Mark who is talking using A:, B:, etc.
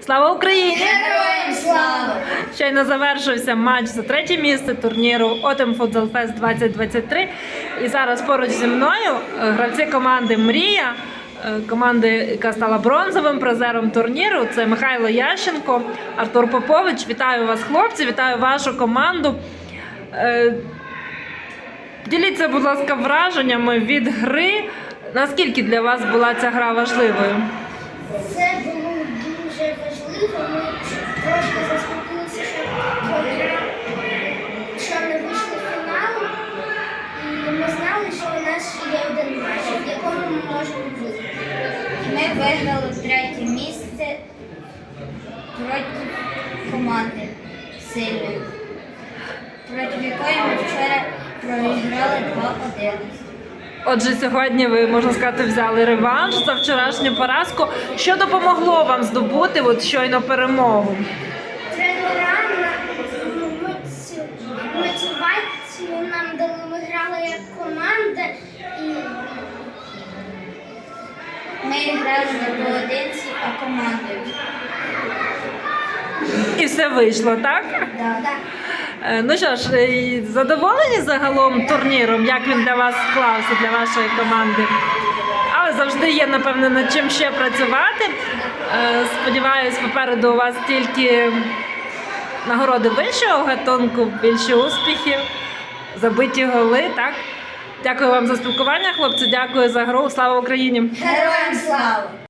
A: Слава Україні!
B: Героям слава!
A: Щойно завершився матч за третє місце турніру Autumn Futsal Fest 2023. І зараз поруч зі мною гравці команди «Мрія», команди, яка стала бронзовим призером турніру. Це Михайло Ященко, Артур Попович. Вітаю вас, хлопці, вітаю вашу команду. Діліться, будь ласка, враженнями від гри. Наскільки для вас була ця гра важливою?
B: Це було дуже важливо. Ми трошки заспокоїлися, що не вийшли в фінал. І ми знали, що у нас ще є один матч, в якому ми можемо виграти.
C: Ми виграли третє місце проти команди сильної, проти якої ми вчора проіграли 2-1.
A: Отже, сьогодні ви, можна сказати, взяли реванш за вчорашню поразку. Що допомогло вам здобути щойно перемогу?
B: Тренера мотивацію нам дали. Ми грали як команда і
C: Ми грали не поодинці, а командою.
A: І все вийшло, так?
C: Да.
A: Ну що ж, задоволені загалом турніром, як він для вас склався, для вашої команди? Але завжди є, напевно, над чим ще працювати. Сподіваюсь, попереду у вас тільки нагороди вищого гатунку, більше успіхів, забиті голи, так? Дякую вам за спілкування, хлопці, дякую за гру. Слава Україні!
C: Героям слава!